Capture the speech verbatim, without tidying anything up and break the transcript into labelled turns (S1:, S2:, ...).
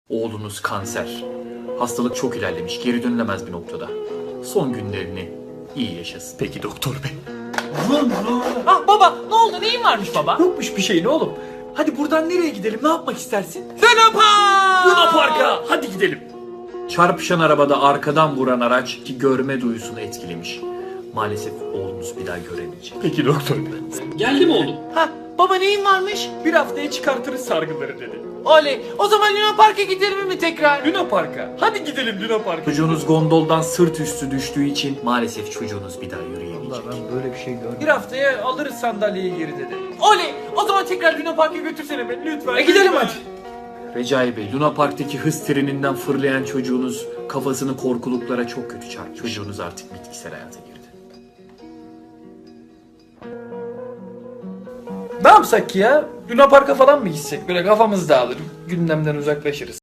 S1: Oğlunuz kanser. Hastalık çok ilerlemiş, geri dönülemez bir noktada. Son günlerini iyi yaşasın.
S2: Peki doktor bey.
S3: Ah baba, ne oldu, neyin varmış baba?
S2: Yokmuş bir şey ne oğlum. Hadi buradan nereye gidelim, ne yapmak istersin?
S3: Luna Park!
S2: Luna Park'a hadi gidelim.
S1: Çarpışan arabada arkadan vuran araç ki görme duyusunu etkilemiş. Maalesef oğlunuz bir daha göremeyecek.
S2: Peki doktor bey.
S3: Geldi mi oğlum? Ha, baba neyin varmış?
S2: Bir haftaya çıkartırız sargıları dedi.
S3: Oley, o zaman Luna Park'a gidelim mi tekrar?
S2: Luna Park'a. Hadi gidelim Luna Park'a.
S1: Çocuğunuz gondoldan sırt üstü düştüğü için maalesef çocuğunuz bir daha yürüyemeyecek.
S2: Bir haftaya alırız sandalyeyi geri dedi.
S3: Oley, o zaman tekrar Luna Park'a götürsene beni lütfen.
S2: E gidelim
S3: lütfen.
S2: hadi.
S1: Recai Bey, Luna Park'taki hız treninden fırlayan çocuğunuz kafasını korkuluklara çok kötü çarptı. Çocuğunuz artık bitkisel hayata girdi.
S2: Ne yapsak ki ya? Luna Park'a falan mı gitsek? Böyle kafamız dağılır, gündemden uzaklaşırız.